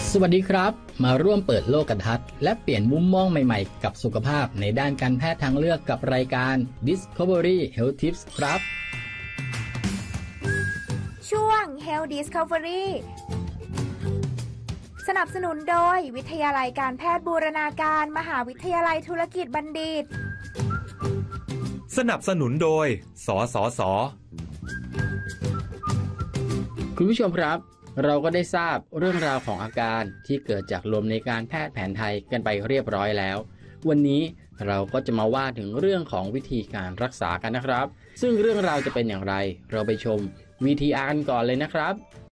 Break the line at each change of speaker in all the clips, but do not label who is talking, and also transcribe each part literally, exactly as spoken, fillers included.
สวัสดีครับมาร่วมเปิดโลกทัศน์และเปลี่ยนมุมมองใหม่ๆกับสุขภาพในด้านการแพทย์ทางเลือกกับรายการ Discovery Health Tips ครับ
ช่วง Health Discovery สนับสนุนโดยวิทยาลัยการแพทย์บูรณาการมหาวิทยาลัยธุรกิจบัณฑิต
สนับสนุนโดยสสส.
คุณผู้ชมครับเราก็ได้ทราบเรื่องราวของอาการที่เกิดจากลมในการแพทย์แผนไทยกันไปเรียบร้อยแล้ววันนี้เราก็จะมาว่าถึงเรื่องของวิธีการรักษากันนะครับซึ่งเรื่องราวจะเป็นอย่างไรเราไปชม วี ที อาร์ กันก่อนเลยนะครับ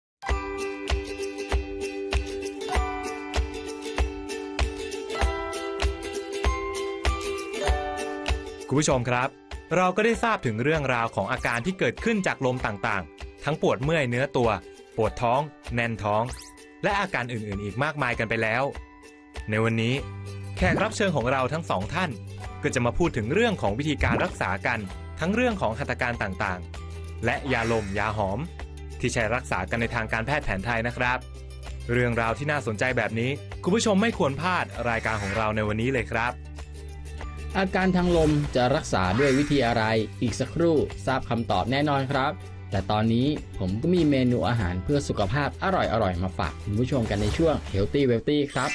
คุณผู้ชมครับเราก็ได้ทราบถึงเรื่องราวของอาการที่เกิดขึ้นจากลมต่างๆทั้งปวดเมื่อยเนื้อตัวปวดท้องแน่นท้องและอาการอื่นๆอีกมากมายกันไปแล้วในวันนี้แขกรับเชิญของเราทั้งสองท่านก็จะมาพูดถึงเรื่องของวิธีการรักษากันทั้งเรื่องของหัตถการต่างๆและยาลมยาหอมที่ใช้รักษากันในทางการแพทย์แผนไทยนะครับเรื่องราวที่น่าสนใจแบบนี้คุณผู้ชมไม่ควรพลาดรายการของเราในวันนี้เลยครับ
อาการทางลมจะรักษาด้วยวิธีอะไรอีกสักครู่ทราบคำตอบแน่นอนครับแต่ตอนนี้ผมก็มีเมนูอาหารเพื่อสุขภาพอร่อยๆมาฝากคุณผู้ชมกันในช่วง Healthy Wealthy ครับ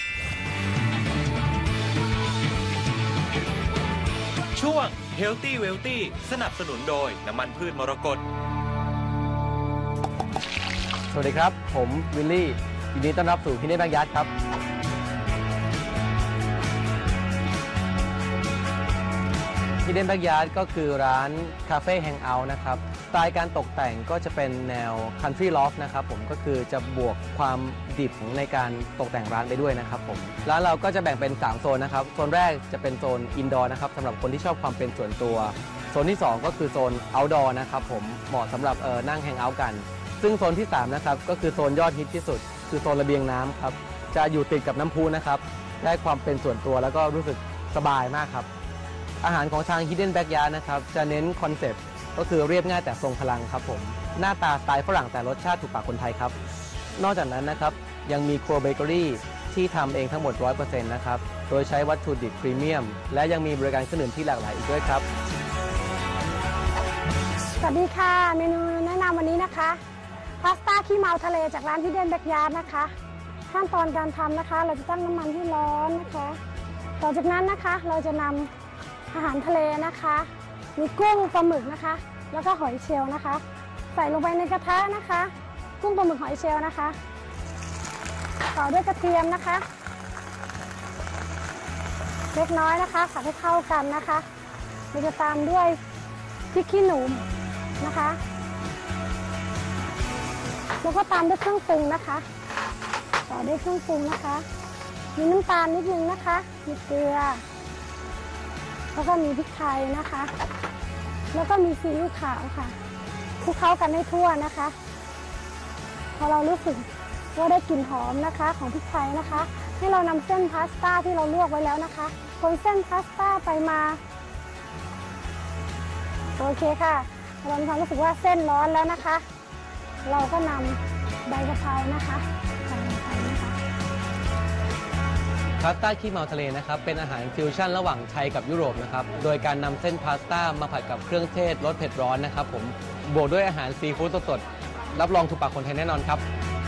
ช่วง Healthy Wealthy สนับสนุนโดยน้ำมันพืชมรกต
สวัสดีครับผมวิลลี่ยินดีต้อนรับสู่Hidden BackyardครับHidden Backyard ก็คือร้านคาเฟ่แฮงเอาท์นะครับสไตล์การตกแต่งก็จะเป็นแนว Country Loft นะครับผมก็คือจะบวกความดิบในการตกแต่งร้านไปด้วยนะครับผมร้านเราก็จะแบ่งเป็นสามโซนนะครับโซนแรกจะเป็นโซนอินดอร์นะครับสำหรับคนที่ชอบความเป็นส่วนตัวโซนที่สองก็คือโซนเอาท์ดอร์นะครับผมเหมาะสำหรับเออนั่งแฮงเอาท์กันซึ่งโซนที่สามนะครับก็คือโซนยอดฮิตที่สุดคือโซนระเบียงน้ำครับจะอยู่ติดกับน้ำพุนะครับได้ความเป็นส่วนตัวแล้วก็รู้สึกสบายมากครับอาหารของทาง Hidden Backyard นะครับจะเน้นคอนเซปต์ก็คือเรียบง่ายแต่ทรงพลังครับผมหน้าตาสไตล์ฝรั่งแต่รสชาติถูกปากคนไทยครับนอกจากนั้นนะครับยังมีครัวเบเกอรี่ที่ทำเองทั้งหมด ร้อยเปอร์เซ็นต์ นะครับโดยใช้วัตถุดิบพรีเมียมและยังมีบริการเครื่องดื่มที่หลากหลายอีกด้วยครับ
สวัสดีค่ะเมนูแนะนำวันนี้นะคะพาสต้าขี้เมาทะเลจากร้าน Hidden Backyard นะคะขั้นตอนการทำนะคะเราจะตั้งน้ำมันที่ร้อนนะคะต่อจากนั้นนะคะเราจะนำอาหารทะเลนะคะมีกุ้งปลาหมึกนะคะแล้วก็หอยเชลล์นะคะใส่ลงไปในกระทะนะคะกุ้งปลาหมึกหอยเชลล์นะคะต่อด้วยกระเทียมนะคะเล็กน้อยนะคะผัดให้เข้ากันนะคะเราจะตามด้วยพริกขี้หนูนะคะแล้วก็ตามด้วยเครื่องปรุงนะคะต่อด้วยเครื่องปรุงนะคะมีน้ำตาลนิดนึงนะคะมีเกลือแล้วก็มีพริกไทยนะคะแล้วก็มีซีอิ๊วขาวค่ะคลุกเคล้ากันให้ทั่วนะคะพอเรารู้สึกว่าได้กลิ่นหอมนะคะของพริกไทยนะคะให้เรานำเส้นพาสต้าที่เราลวกไว้แล้วนะคะคนเส้นพาสต้าไปมาโอเคค่ะเรามีความรู้สึกว่าเส้นร้อนแล้วนะคะเราก็นำใบกะเพรานะคะใส่ลงไปนะคะ
พาสต้าขี้เมาทะเลนะครับเป็นอาหารฟิวชั่นระหว่างไทยกับยุโรปนะครับโดยการนำเส้นพาสต้ามาผัดกับเครื่องเทศรสเผ็ดร้อนนะครับผมบวกด้วยอาหารซีฟู้ดสดๆรับรองถูกปากคนไทยแน่นอนครับ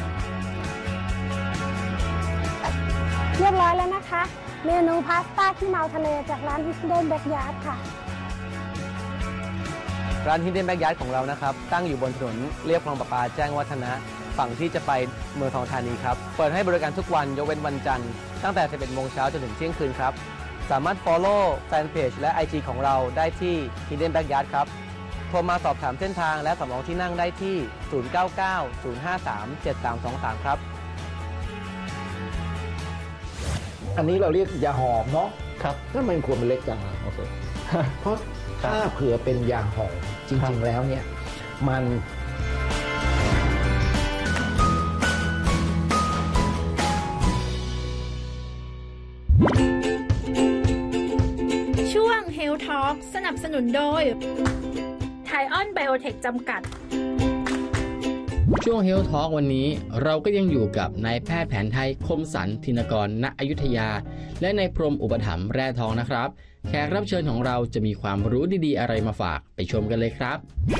เรียบร้อยแล้วนะคะเมนูพาสต้าขี้เมาทะเลจากร้าน Hidden Backyard ค่ะ
ร้าน Hidden Backyard ของเรานะครับตั้งอยู่บนถนนเลียบคลองประปาแจ้งวัฒนะฝั่งที่จะไปเมืองทองธานีครับเปิดให้บริการทุกวันยกเว้นวันจันทร์ตั้งแต่ สิบเอ็ดโมงเช้าจนถึงเที่ยงคืนครับสามารถ follow แฟนเพจและ ไอ จี ของเราได้ที่ Hidden Backyard ครับโทรมาสอบถามเส้นทางและสำรองที่นั่งได้ที่ศูนย์ เก้า เก้า ศูนย์ ห้า สาม เจ็ด สาม สอง สามครับ
อันนี้เราเรียกยาหอมเนาะ
ครับ
ถ้ามันควรเป็นเล็กจังโอเคเพราะถ้าเผื่อเป็นยาหอมจริงๆแล้วเนี่ยมัน
ช่วง Health Talk สนับสนุนโดยไทออนไบโอเทคจำกัด
ช่วง Health Talk วันนี้เราก็ยังอยู่กับนายแพทย์แผนไทยคมสันธินกร ณ อยุธยา และนายพรหมอุปถัมภ์แร่ทองนะครับแขกรับเชิญของเราจะมีความรู้ดีๆอะไรมาฝากไปชมกันเลยครับ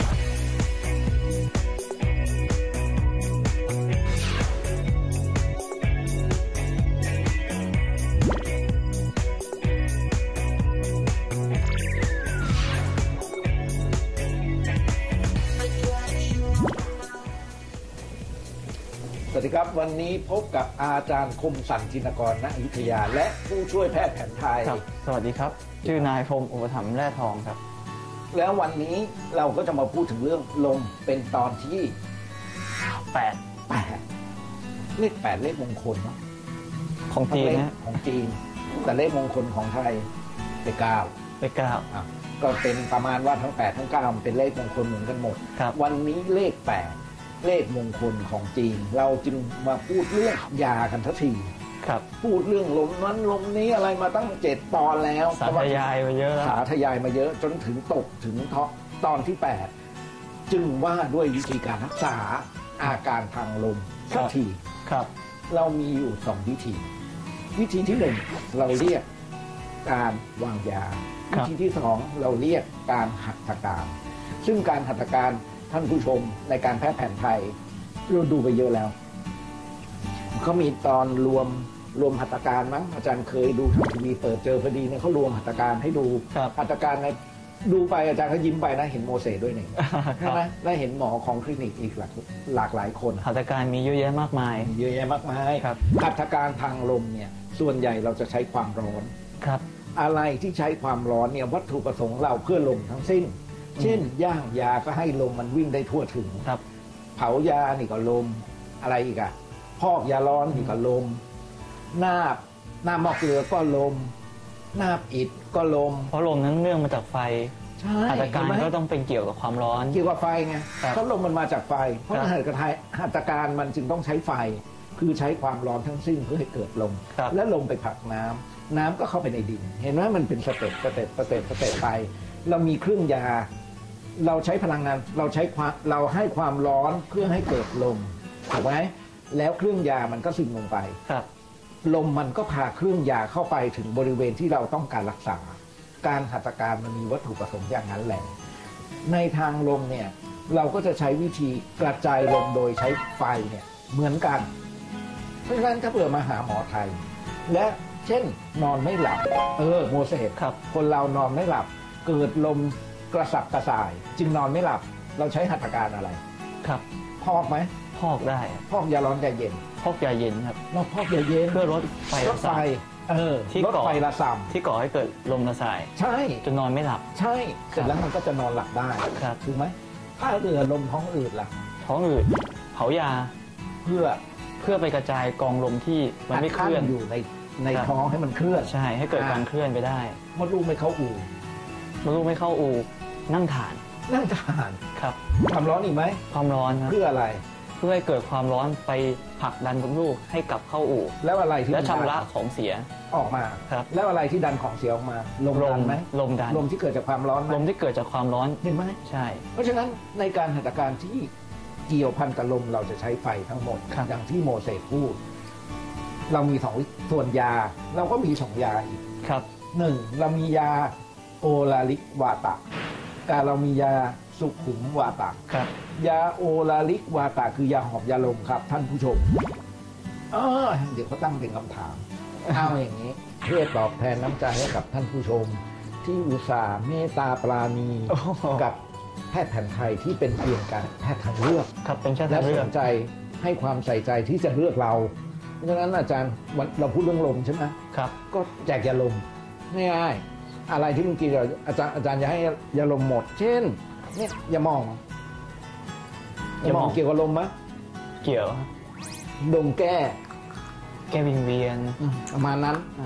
สวัสดีครับวันนี้พบกับอาจารย์คมสันธินกร ณ อยุธยา และผู้ช่วยแพทย์แผนไทย
ครับสวัสดีครับ ชื่อนายพรหมอุปถัมภ์แร่ทองครับ
แล้ววันนี้เราก็จะมาพูดถึงเรื่องลมเป็นตอนที่
แปด
แปดเลขแปดเลขมงคลเนาะ
ของจีน
เลข
นะ
ของจีน แต่เลขมงคลของไทยเป็นเก้า
ไปเก้า
อ่ะก็เป็นประมาณว่าทั้งแปดทั้งเก้ามันเป็นเลขมงคลเหมือนกันหมด
ครับ
วันนี้เลขแปดเลขมงคลของจีน เราจึงมาพูดเรื่องยากันทันที
ครับ
พูดเรื่องลมนั้นลมนี้อะไรมาตั้งเจ็ดตอนแล้ว
สาธยายมาเยอะแล้ว
สาธยายมาเยอะจนถึงตกถึงท็อปตอนที่แปดจึงว่าด้วยวิธีการรักษาอาการทางลมสักที
ครับ
เรามีอยู่สองวิธี วิธีที่หนึ่งเราเรียกการวางยา
ครั
วิ
บ
ธีที่สองเราเรียกการหัตถการ ซึ่งการหัตถการท่านผู้ชมในการแพทย์แผนไทยเราดูไปเยอะแล้วเขามีตอนรวมรวมหัตถการมั้งอาจารย์เคยดูทางทีวีเปิดเจอพอดีเนี่ยเขารวมหัตถการให้ดู
ครับ
หัตถการในดูไปอาจารย์ก็ยิ้มไปนะเห็นโมเสสด้วยนี่
ครั
ใช่
บ
ไหมได้เห็นหมอของคลินิกอีกหลากหลากหลายคน
หัตถการมีเยอะแยะมากมาย
เยอะแยะมากมาย
ครับ
หัตถการทางลมเนี่ยส่วนใหญ่เราจะใช้ความร้อน
ครับ
อะไรที่ใช้ความร้อนเนี่ยวัตถุประสงค์เราเพื่อลมทั้งสิ้น เช่น ย่างยาก็ให้ลมมันวิ่งได้ทั่วถึง
ครับ
เผายานี่ก็ลมอะไรอีกอะพอกยาร้อนนี่ก็ลมนาบนาบหม้อเกลือก็ลมนาบอิฐก็ลม
เพราะลมนั้นเนื่องมาจากไฟ
ใช่
หัตถการ
เห็นไหม
ก็ต้องเป็นเกี่ยวกับความร้อน
เกี่ยวกับไฟไง
ครับ
เพราะลมมันมาจากไฟ เพราะ
ครับ
หัตถการหัตถการมันจึงต้องใช้ไฟ คือใช้ความร้อนทั้งสิ้นเพื่อให้เกิดลม
ครับ
และลมไปผลักน้ำน้ำก็เข้าไปในดิน เห็นไหมมันเป็นสเต็ปสเต็ปสเต็ปสเต็ปไป เรามีเครื่องยา เราใช้พลังงานเราใช้ความเราให้ความร้อนเพื่อให้เกิดลมถูกไหมแล้วเครื่องยามันก็ซึมลงไป
ครับ
ลมมันก็พาเครื่องยาเข้าไปถึงบริเวณที่เราต้องการรักษา การหัตถการมันมีวัตถุประสงค์อย่างนั้นแหละ ในทางลมเนี่ยเราก็จะใช้วิธีกระจายลมโดยใช้ไฟเนี่ยเหมือนกัน เพราะฉะนั้นถ้าเผื่อมาหาหมอไทย และเช่นนอนไม่หลับ เออโมเสส
ครับ
คนเรานอนไม่หลับ เกิดลมกระสับกระส่าย จึงนอนไม่หลับ เราใช้หัตถการอะไร
ครับ
พอกไหม
พอกได้
พอกยาร้อนยาเย็น
พอกยาเย็นครับ
เราพอกยาเย็น
เพื่อลดไฟ
รถไฟ เออ
ที่
รถ
ก่อ
ไฟละส่
ที่ก่อให้เกิดลมระสาย
ำใช่
จนนอนไม่หลับ
ใช่เสร็จแล้วมันก็จะนอนหลับได้
ครับ
ถูกไหมถ้าเรือลมท้องอืดล่ะ
ท้องอืดเผายา
เพื่อ
เพื่อไปกระจายกองลมที่มันไม่เคลื่อน
ขั้อยู่ในใน
ครับ
ท้องให้มันเคลื่อน
ใช่ให้เกิดการเคลื่อนไปได้
มดลูกไม่เข้าอู่
มดลูกไม่เข้าอูนั่งฐาน
นั่งทาน
ครับ
ความร้อนอีกไหม
ความร้อนครับ
เพื่ออะไร
เพื่อให้เกิดความร้อนไปผลักดันมดลูกให้กลับเข้าอู่
แล้วอะไรที่
และ
มัน
ชำระ
ดัน
ของเสีย
ออกมา
ครับ
แล้วอะไรที่ดันของเสียออกมาลม
ล
ดั
ม
นไหม
ลมดัน
ลมที่เกิดจากความร้อนไหม
ลมที่เกิดจากความร้อน
เห็นไหม
ใช่
เพราะฉะนั้นในการหัตถการที่เกี่ยวพันกับลมเราจะใช้ไฟทั้งหมด
ครับ
อย่างที่โมเสสพูด เรามีสองส่วนยา เราก็มีสองยาอีก
ครับ
หนึ่งเรามียาโอลาลิกวาตะการเรามียาสุขุมวาตะ
ครับ
ยาโอลาลิกวาตะคือยาหอบยาลมครับ ท่านผู้ชมเออเดี๋ยวเขาตั้งเป็นคำถาม เอาอย่างนี้เพื่อตอบแทนน้ำใจให้กับท่านผู้ชม ที่อุตส่าห์เมตตาปราณี
โอ้โห
กับแพทย์แผนไทยที่เป็นเพียงการแพทย์ทางเลือก
ครับเป็นแค่
และ
ทางเลื
ส
อก
นใจให้ความใส่ใจที่จะเลือกเรา เพราะฉะนั้นอาจารย์วันเราพูดเรื่องลมใช่ไหม
ครับ
ก็แจกยาลมง่ายๆอะไรที่มึงกินเราอาจารย์อาจารย์จะให้ยาลมหมด เช่นเนี่ยยาหมองยาหมองเกี่ยวกับลมไหม
เกี่ยวครับ
ดมแก้
แก้วิงเวียน
ประมาณนั้น
อ่า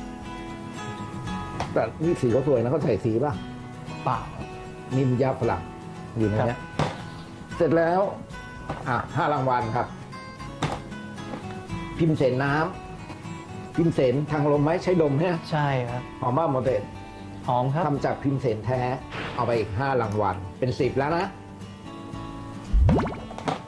แต่นี่สีเขาสวยนะเขาใส่สีป่ะ
เปล่า
นิมยาฝรั่งอยู่ในเนี้ยเสร็จแล้วอ่ะห้ารางวัลครับ พิมพ์เสนน้ำพิมพ์เสนทางลมไหมใช้ดมเนี่ย
ใช่ครับ
หอมบ้าโมเดล
หอมครับ
ทำจากพิมพ์เสนแท้ เอาไปอีกห้ารางวัลเป็นสิบแล้วนะ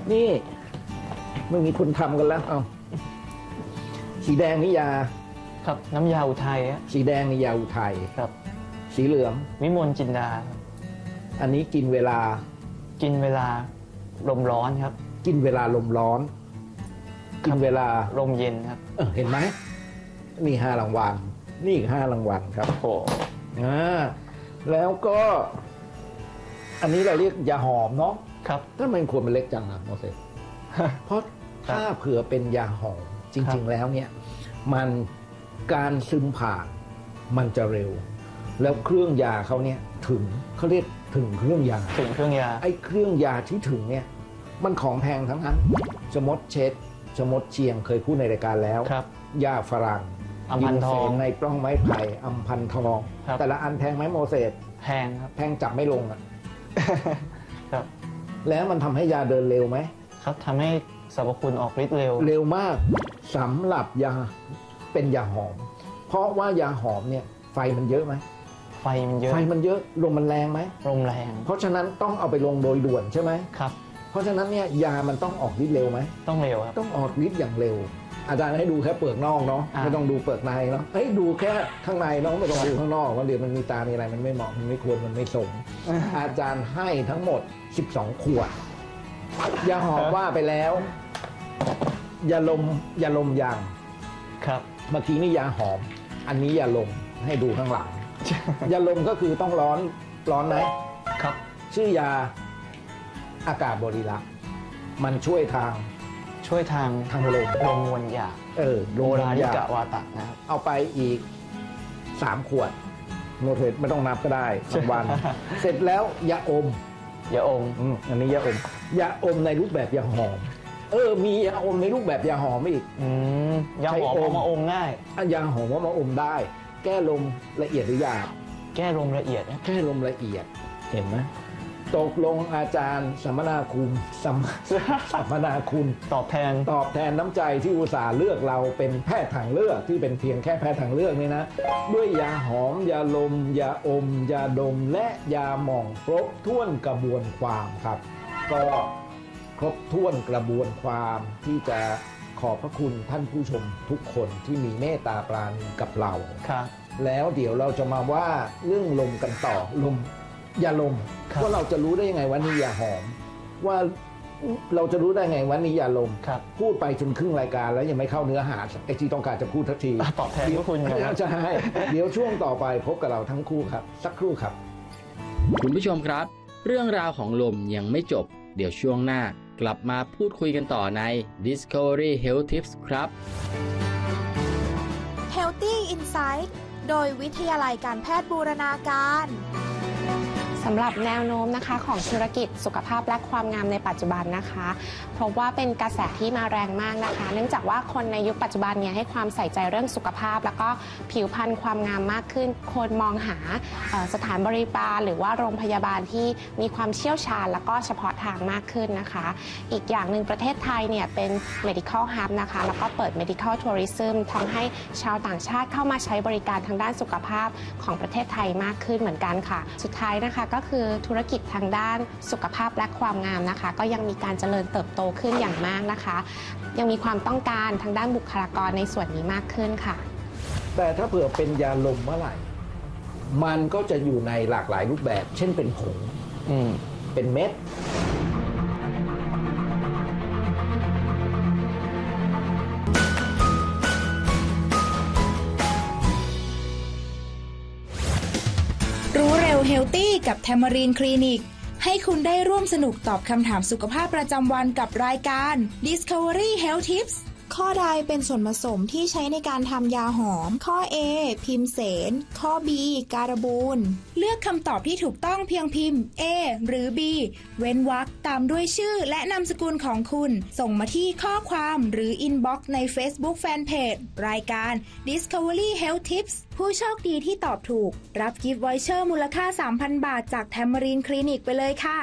นี่ไม่มีคนทำกันแล้วเอาสีแดงนี่ยา
ครับน้ำยาอุทัยฮะ
สีแดงนี่ยาอุทัย
ครับ
สีเหลือง
วิมลจินดาครับ
อันนี้กินเวลา
กินเวลาลมร้อนครับ
กินเวลาลมร้อน กินเวลา
ลมเย็นครับ
เออเห็นไหมนี่ห้ารางวัลนี่อีกห้ารางวัลครับ
โอ้
อ่าแล้วก็ อันนี้เราเรียกยาหอมเนาะ
ครับ
ถ้ามันควรมันเล็กจังอะโมเสส เพราะถ้าเผื่อเป็นยาหอมจริง ๆ แล้วเนี่ย มันการซึมผ่านมันจะเร็ว แล้วเครื่องยาเขาเนี่ยถึงเขาเรียกถึงเครื่องยา
ถึงเครื่องยา
ไอ้เครื่องยาที่ถึงเนี่ย มันของแพงทั้งนั้นชมดเช็ดชมดเชียงเคยพูดในรายการแล้ว
ครับ
ยาฝรั่ง
อัมพันทอง
ยิเสนในปล้องไม้ไผ่อัมพันทอง
ครับ
แต่ละอันแพงไหมโมเสส
แพงครับ
แพงจับไม่ลงอะ
ครับ
แล้วมันทำให้ยาเดินเร็วไหม
ครับทำให้สรรพคุณออกฤทธิ์เร็ว
เร็วมากสำหรับยาเป็นยาหอม เพราะว่ายาหอมเนี่ยไฟมันเยอะไหม
ไฟมันเยอะ
ไฟมันเยอะลมมันแรงไหม
ลมแรง
เพราะฉะนั้นต้องเอาไปลงโดยด่วนใช่ไหม
ครับ
เพราะฉะนั้นเนี่ยยามันต้องออกฤทธิ์เร็วไหม
ต้องเร็วครับ
ต้องออกฤทธิ์อย่างเร็ว อาจารย์ให้ดูแค่เปลือกนอกเนาะ
อ่า
ไม่ต้องดูเปลือกในเนาะเฮ้ยดูแค่ข้างในเนาะไม่ต้องดูข้างนอกว่าเดี๋ยวมันมีตามีอะไรมันไม่เหมาะมันไม่ควรมันไม่สม อาจารย์ให้ทั้งหมดสิบสองขวดยาหอมว่าไปแล้วยาลมยาลมยาง
ครับ
เมื่อกี้นี่ยาหอม อันนี้ยาลมให้ดูข้างหลัง ยาลมก็คือต้องร้อนร้อนไหม
ครับ
ชื่อยาอากาศบริรักษ์มันช่วยทาง
ช่วยทาง
ทางลม
ลมมวลหยาบ
เออล
โบ
ม
ราณิ
ยาก
ะวาตะนะครับ
เอาไปอีกสามขวดโนเทไม่ต้องนับก็ได้สองวัน เสร็จแล้วยาอม
ยาอม
อืมอันนี้ยาอมยาอมในรูปแบบยาหอม เออ มียาอมในรูปแบบยาหอมอีก
อืมยาหอม
ใช้อม
เอามาอมง่าย
อันยาหอมว่ามาอมได้ แก้ลมละเอียดหรือหยาบ
แก้ลมละเอียดนะ
แก้ลมละเอียดเห็นไหมตกลงอาจารย์สัมมนาคุณสัม สัมมนาคุณ
ตอบแทน
ตอบแทนน้ำใจที่อุตส่าห์เลือกเราเป็นแพทย์ทางเลือกที่เป็นเพียงแค่แพทย์ทางเลือกนี่นะ ด้วยยาหอม ยาลม ยาอม ยาดม และยาหม่องครบถ้วนกระบวนความครับ ก็ครบถ้วนกระบวนความที่จะขอบพระคุณท่านผู้ชมทุกคนที่มีเมตตาปราณีกับเรา
ครับ
แล้วเดี๋ยวเราจะมาว่าเรื่องลมกันต่อลมยาลม
ครับ
ว่าเราจะรู้ได้ยังไงว่านี่ยาหอม ว่าเราจะรู้ได้ไงว่านี่ยาลม
ครับ
พูดไปจนครึ่งรายการแล้วยังไม่เข้าเนื้อหาไอ้ที่ต้องการจะพูดทันที
อ่ะตอบแทนพระคุณครับ
ใช่เดี๋ยวช่วงต่อไปพบกับเราทั้งคู่ครับ สักครู่ครับ
คุณผู้ชมครับ เรื่องราวของลมยังไม่จบ เดี๋ยวช่วงหน้ากลับมาพูดคุยกันต่อใน Discovery Health Tips ครับ
Healthy Insight โดยวิทยาลัยการแพทย์บูรณาการ
สำหรับแนวโน้มนะคะของธุรกิจสุขภาพและความงามในปัจจุบันนะคะพบว่าเป็นกระแสที่มาแรงมากนะคะ เนื่องจากว่าคนในยุคปัจจุบันเนี่ยให้ความใส่ใจเรื่องสุขภาพ แล้วก็ผิวพรรณความงามมากขึ้น คนมองหาเอ่อสถานบริการหรือว่าโรงพยาบาลที่มีความเชี่ยวชาญแล้วก็เฉพาะทางมากขึ้นนะคะ อีกอย่างหนึ่งประเทศไทยเนี่ยเป็น medical hub นะคะแล้วก็เปิด medical tourism ทำให้ชาวต่างชาติเข้ามาใช้บริการทางด้านสุขภาพของประเทศไทยมากขึ้นเหมือนกันค่ะสุดท้ายนะคะก็คือธุรกิจทางด้านสุขภาพและความงามนะคะก็ยังมีการเจริญเติบโตขึ้นอย่างมากนะคะยังมีความต้องการทางด้านบุคลากรในส่วนนี้มากขึ้นค่ะ
แต่ถ้าเผื่อเป็นยาลมเมื่อไหร่ มันก็จะอยู่ในหลากหลายรูปแบบ เช่นเป็นผง
อืม
เป็นเม็ด
รู้เร็วเฮลตี้กับแทมารีนคลินิกให้คุณได้ร่วมสนุกตอบคำถามสุขภาพประจำวันกับรายการ Discovery Health Tips ข้อใดเป็นส่วนผสมที่ใช้ในการทำยาหอม ข้อ A พิมเสน ข้อ B การบูนเลือกคำตอบที่ถูกต้องเพียงพิมพ์ A หรือ B เว้นวรรคตามด้วยชื่อและนามสกุลของคุณส่งมาที่ข้อความหรือ Inbox ใน Facebook Fanpage รายการ Discovery Health Tips ผู้โชคดีที่ตอบถูกรับกิฟต์วอยเชอร์มูลค่า สามพัน บาทจากแทมมารีนคลินิกไปเลยค่ะ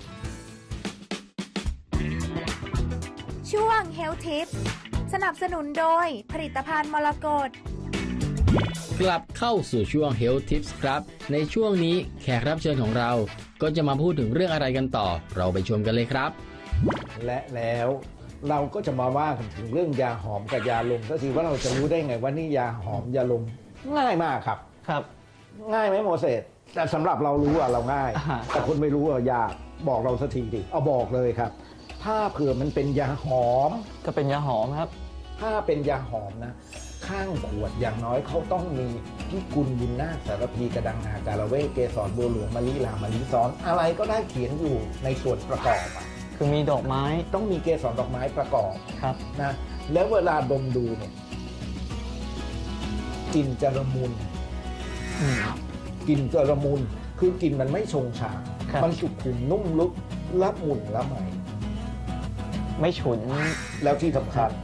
ช่วง Health Tips สนับสนุนโดยผลิตภัณฑ์มรกต
กลับเข้าสู่ช่วง Health Tips ครับในช่วงนี้แขกรับเชิญของเราก็จะมาพูดถึงเรื่องอะไรกันต่อเราไปชมกันเลยครับ
และแล้วเราก็จะมาว่ากันถึงเรื่องยาหอมกับยาลมสักทีว่าเราจะรู้ได้ไงว่านี่ยาหอมยาลมง่ายมากครับ
ครับ
ง่ายไหมโมเสสแต่สำหรับเรารู้อะเราง่าย
อ่า
แต่คนไม่รู้อะยากบอกเราสักทีดิเอาบอกเลยครับ ถ้าเผื่อมันเป็นยาหอม
ก็เป็นยาหอมครับ
ถ้าเป็นยาหอมนะ ข้างขวดอย่างน้อยเขาต้องมีพิกุลบุญนาคสารพีกระดังนาการะเวกเกสรบัวหลวงมะลิลามะลิซ้อนอะไรก็ได้เขียนอยู่ในส่วนประกอบอะ
คือมีดอกไม้
ต้องมีเกสรดอกไม้ประกอบ
ครับ
นะแล้วเวลาดมดูเนี่ยกลิ่นจะละมุน
อืม
กลิ่นจะละมุนคือกลิ่นมันไม่ชงชาง
ครับ
มันสุขุมนุ่มลึกละมุนละไม
ไม่ฉุน
แล้วที่สำคัญ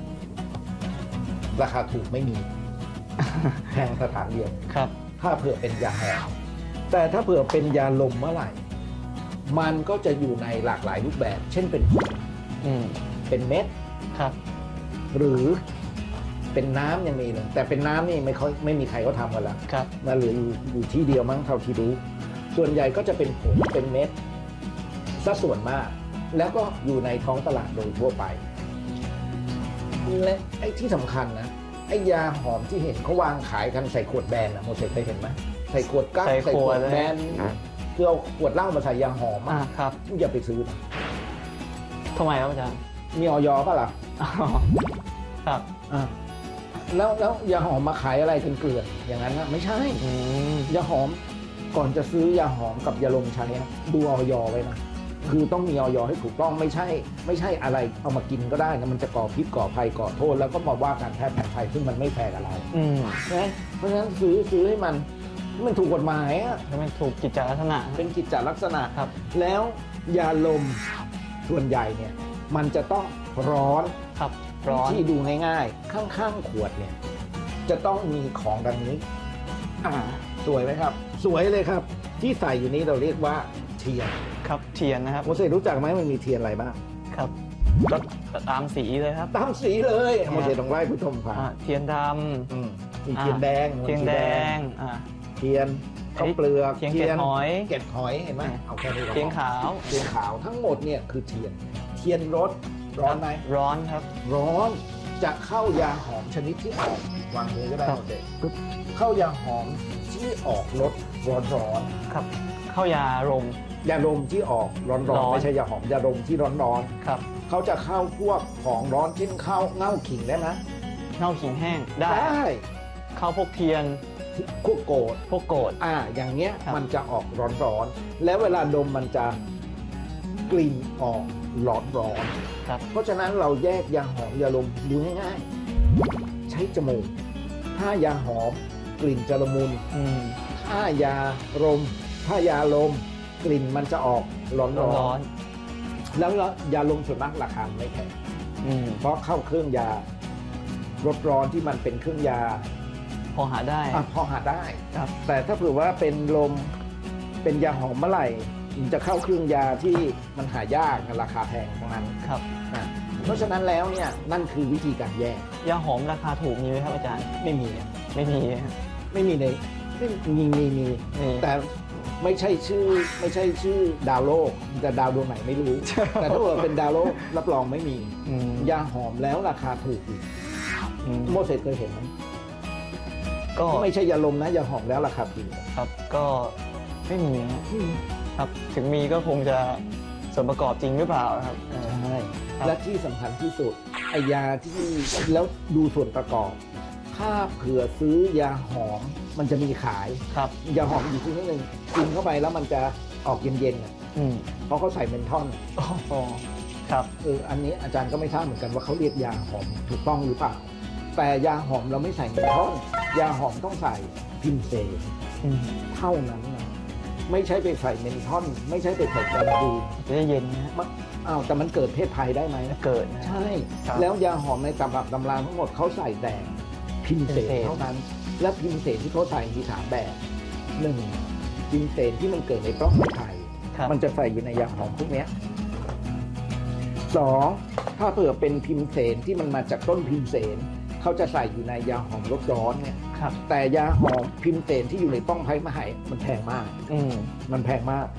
ราคาถูกไม่มี แพงสถานเดียว
ครับ
ถ้าเผื่อเป็นยาหอมแต่ถ้าเผื่อเป็นยาลมเมื่อไหร่ มันก็จะอยู่ในหลากหลายรูปแบบ เช่นเป็นผง
อืม
เป็นเม็ด
ครับ
หรือเป็นน้ำยังมีเลยแต่เป็นน้ำนี่ไม่ค่อยไม่มีใครเขาทำกันแล้ว
ครับ
มาเหลืออยู่อยู่ที่เดียวมั้งเท่าที่รู้ ส่วนใหญ่ก็จะเป็นผงเป็นเม็ดซะส่วนมาก แล้วก็อยู่ในท้องตลาดโดยทั่วไปและไอ้ที่สำคัญนะไอ้ยาหอมที่เห็นเขาวางขายกันใส่ขวดแบนอะโมเสสเคยเห็นไหมใส่ขวดกั๊ก
ใส่
ใส่
ข
ข
ว
ว
ด
ด
เลย
แบนคือเอาขวดเหล้ามาใส่ยาหอม
อ่า
อะ
ครับ
อย่าไปซื้อนะ
ทำไมครับอาจารย์
มีออยป่ะล่ะ
อ๋อครับ
อ่ะแล้วแล้วยาหอมมาขายอะไรกันเกลื่อนอย่างนั้นนะไม่ใช่
อืม
ยาหอมก่อนจะซื้อยาหอมกับยาลมใช้อะดูออยไว้นะคือต้องมีออยให้ถูกต้องไม่ใช่ ไม่ใช่อะไรเอามากินก็ได้นะมันจะก่อพิษก่อภัยก่อโทษแล้วก็มาว่าการแพทย์แผนไทยซึ่งมันไม่แฟร์กับเรา
อืม
นะเพราะฉะนั้นซื้อซื้อให้มันมันถูกกฎหมายอะ
แล้วมันถูกกิจจลักษณะ
เป็นกิจจลักษณะ
ครับ
แล้วยาลมส่วนใหญ่เนี่ยมันจะต้องร้อน
ครับ ร้อน
ที่ดูง่ายๆ ข้างๆขวดเนี่ยจะต้องมีของดังนี้
อ่า
สวยไหมครับ สวยเลยครับ ที่ใส่อยู่นี้เราเรียกว่าเทียน
ครับ เทียนนะครับ
โมเสสรู้จักไหมมันมีเทียนอะไรบ้าง
ครับก็ตามสีเลยครับ
ตามสีเลย
ครับ
โมเสสต้องไล่ผู้ชมฟัง
อ่าเทียนด
อืมมี
ำ
เทียนแดง
อ่าเทียนแดง อ่า
เทียนข้าวเปลือก
เทียนเกล็ดหอย
เกล็ดหอยเห็นไหม
อ่า
เอาแค่นี้ก็พอ
เทียนขาว
เทียนขาวทั้งหมดเนี่ยคือเทียน เทียนรสร้อนไหม
ร้อนครับ
ร้อนจะเข้ายาหอมชนิดที่ออกวางมือก็ได้
ครับ
โมเสสปึ๊บเข้ายาหอมที่ออกรสร้อน
ครับ เข้ายารม
ๆยาดมที่ออกร้อน
ร้
ๆ
อน
ไม่ใช่ยาหอมยาดมที่ร้อน
ครับ
ๆเขาจะเข้าพวกของร้อนเช่นข้าวเง่าขิงได้ไหม
เน่าขิงแห้ง ได้
ได้
เข้าพวกเทียน
พวกโกด
พวกโกด
อ่าอย่างเงี้ย
ครับ
มันจะออกร้อนๆแล้วเวลาดมมันจะกลิ่นออกร้อนๆ
ครับ
เพราะฉะนั้นเราแยกยาหอมยาลมดูง่ายๆใช้จมูกถ้ายาหอมกลิ่นจะละมุน
อืม
ถ้ายาลมถ้ายาลมกลิ่นมันจะออกร้อน
ร้อน
ๆแล้วยาลมส่วนมากราคาไม่แพง
ๆอืม
เพราะเข้าเครื่องยารสร้อนที่มันเป็นเครื่องยา
พอหาได้
อ่ะพอหาได้
ครับ
แต่ถ้าเผื่อว่าเป็นลมเป็นยาหอมเมื่อไหร่มันจะเข้าเครื่องยาที่มันหายากราคาแพงทั้งนั้น
ครับ
อ่ะเพราะฉะนั้นแล้วเนี่ยนั่นคือวิธีการแยก
ยาหอมราคาถูกมีไหมครับอาจารย์
ไม่มีอ่ะ
ไม่มีครับ
ไม่มีในไม่มีมีมี
มี
แต่ไม่ใช่ชื่อไม่ใช่ชื่อดาวโลกแต่ดาวดวงไหนไม่รู้ แต่ถ้าเกิดเป็นดาวโลกรับรองไม่มี
อืม
ยาหอมแล้วราคาถูกอีก
อืม
โมเสสเคยเห็นไหม
ก็
ไม่ใช่ยาลมนะยาหอมแล้วราคาถูก
ครับ ก็ไม่มีครับ ถึงมีก็คงจะส่วนประกอบจริงหรือเปล่าครับเออ
ใช่
ครับ
และที่สำคัญที่สุดไอยาที่แล้วดูส่วนประกอบ ถ้าเผื่อซื้อยาหอมมันจะมีขาย
ครับ
ยาหอมอยู่ที่นิดนึงกินเข้าไปแล้วมันจะออกเย็นๆอ่ะ
อืม
เพราะเขาใส่เมนทอน
โอ้โหครับ
เอออันนี้อาจารย์ก็ไม่ทราบเหมือนกันว่าเขาเรียกยาหอมถูกต้องหรือเปล่า แต่ยาหอมเราไม่ใส่เมนทอนยาหอมต้องใส่พิมเซน
อืม
เท่านั้นนะไม่ใช่ไปใส่เมนทอนไม่ใช่ไปใส่แกนดู
จะได้เย็นนะฮะ
มันอ้าวแต่มันเกิดเพศภัยได้ไหม
เกิดนะ
ใช่
ครับ
แล้วยาหอมในตำรับตำราทั้งหมดเขาใส่แต่พิมเสน
พิมเสน
เท่านั้น และพิมเสนที่เขาใส่มีสามแบบหนึ่งพิมเสนที่มันเกิดในปล้องไข่
ครับ
มันจะใส่อยู่ในยาหอมพวกเนี้ยสองถ้าเผื่อเป็นพิมเสนที่มันมาจากต้นพิมเสนเขาจะใส่อยู่ในยาหอมรสร้อนเนี่ย
ครับ
แต่ยาหอมพิมเสนที่อยู่ในป้องไผ่มะไหมันแพงมาก
อืม
มันแพงมาก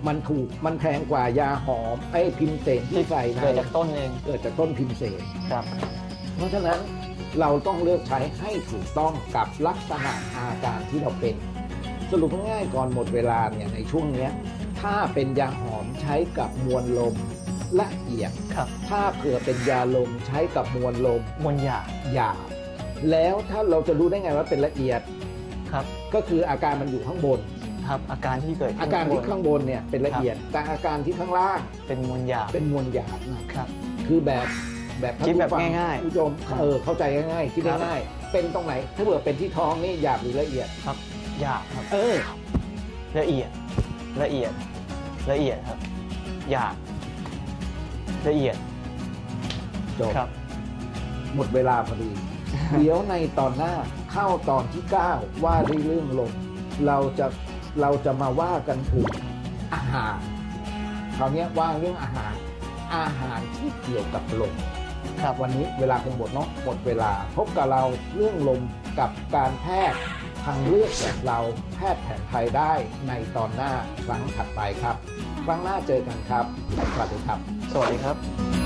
มันถูกมันแพงกว่ายาหอมไอ้พิมเสนที่ใส่ใน
เกิดจากต้นเอง
เกิดจากต้นพิมเสน
ครับ
เพราะฉะนั้นเราต้องเลือกใช้ให้ถูกต้องกับลักษณะอาการที่เราเป็น สรุปง่ายๆก่อนหมดเวลาเนี่ยในช่วงเนี้ยถ้าเป็นยาหอมใช้กับมวลลมละเอียด
ครับ
ถ้าเผื่อเป็นยาลมใช้กับมวลลม
มวลหยาบ
หยาบแล้วถ้าเราจะรู้ได้ไงว่าเป็นละเอียด
ครับ
ก็คืออาการมันอยู่ข้างบน
ครับอาการที่เกิดขึ้น
อาการที่ข้างบนเนี่ยเป็นละเอียด แต่อาการที่ข้างล่าง
เป็นมวลหยาบ
เป็นมวลหยาบนะครับ คือแบบแบบ
คิดแบบ
ท่นผู้ฟั
ง่ายๆ
ผู้ชมเออเข้าใจง่ายๆคิด
ครับ
ง่ายๆเป็นตรงไหน ถ้าเผื่อเป็นที่ท้องนี่หยาบหรือละเอียด
ครับหยาบครับ
เออ
ละเอียดละเอียดละเอียดครับหยาบละเอียด
จบ
ครับ
หมดเวลาพอดี เดี๋ยวในตอนหน้าเข้าตอนที่เก้าว่าด้วยเรื่องลมเราจะเราจะมาว่ากันถึงอาหารคราวนี้ว่าเรื่องอาหารอาหารที่เกี่ยวกับลมครับวันนี้เวลาคงหมดเนาะหมดเวลาพบกับเราเรื่องลมกับการแพทย์ทางเลือกแบบเราแพทย์แผนไทยได้ในตอนหน้าครั้งถัดไปครับครั้งหน้าเจอกันครับสวัสดีครับ
สวัสดีครับ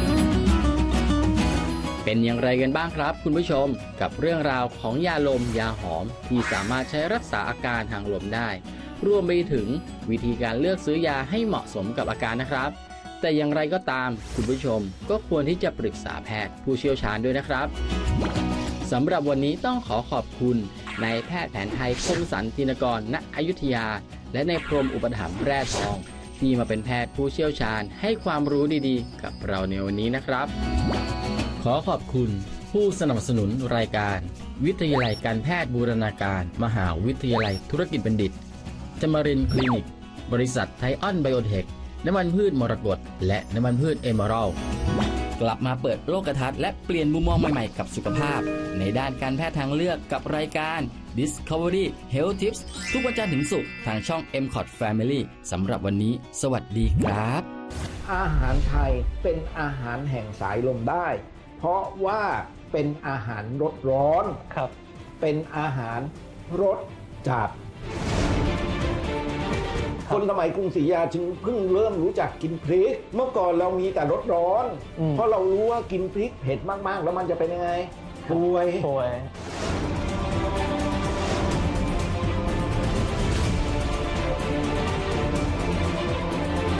เป็นอย่างไรกันบ้างครับคุณผู้ชมกับเรื่องราวของยาลมยาหอมที่สามารถใช้รักษาอาการทางลมได้รวมไปถึงวิธีการเลือกซื้อยาให้เหมาะสมกับอาการนะครับแต่อย่างไรก็ตามคุณผู้ชมก็ควรที่จะปรึกษาแพทย์ผู้เชี่ยวชาญด้วยนะครับสำหรับวันนี้ต้องขอขอบคุณนายแพทย์แผนไทยคมสันตินกรณอยุธยาและนายพรหมอุปถัมภ์แร่ทองที่มาเป็นแพทย์ผู้เชี่ยวชาญให้ความรู้ดีๆกับเราในวันนี้นะครับขอขอบคุณผู้สนับสนุนรายการวิทยาลัยการแพทย์บูรณาการมหาวิทยาลัยธุรกิจบัณฑิตจมรินทร์คลินิกบริษัทไทออนไบโอเทคน้ำมันพืชมรกตและน้ำมันพืชเอเมอรัลด์กลับมาเปิดโลกทัศน์และเปลี่ยนมุมมองใหม่ๆกับสุขภาพในด้านการแพทย์ทางเลือกกับรายการ Discovery Health Tips ทุกวันจันทร์ถึงศุกร์ทางช่อง เอ็ม คอท Family สำหรับวันนี้สวัสดีครับ
อาหารไทยเป็นอาหารแห่งสายลมได้ เพราะว่าเป็นอาหารรสร้อน
ครับ
เป็นอาหารรสจัด คนสมัยกรุงศรีอยุธยาจึงเพิ่งเริ่มรู้จักกินพริก เมื่อก่อนเรามีแต่รสร้อน
อืม
เพราะเรารู้ว่ากินพริกเผ็ดมากๆ แล้วมันจะเป็นยังไงป่วย
ป่วย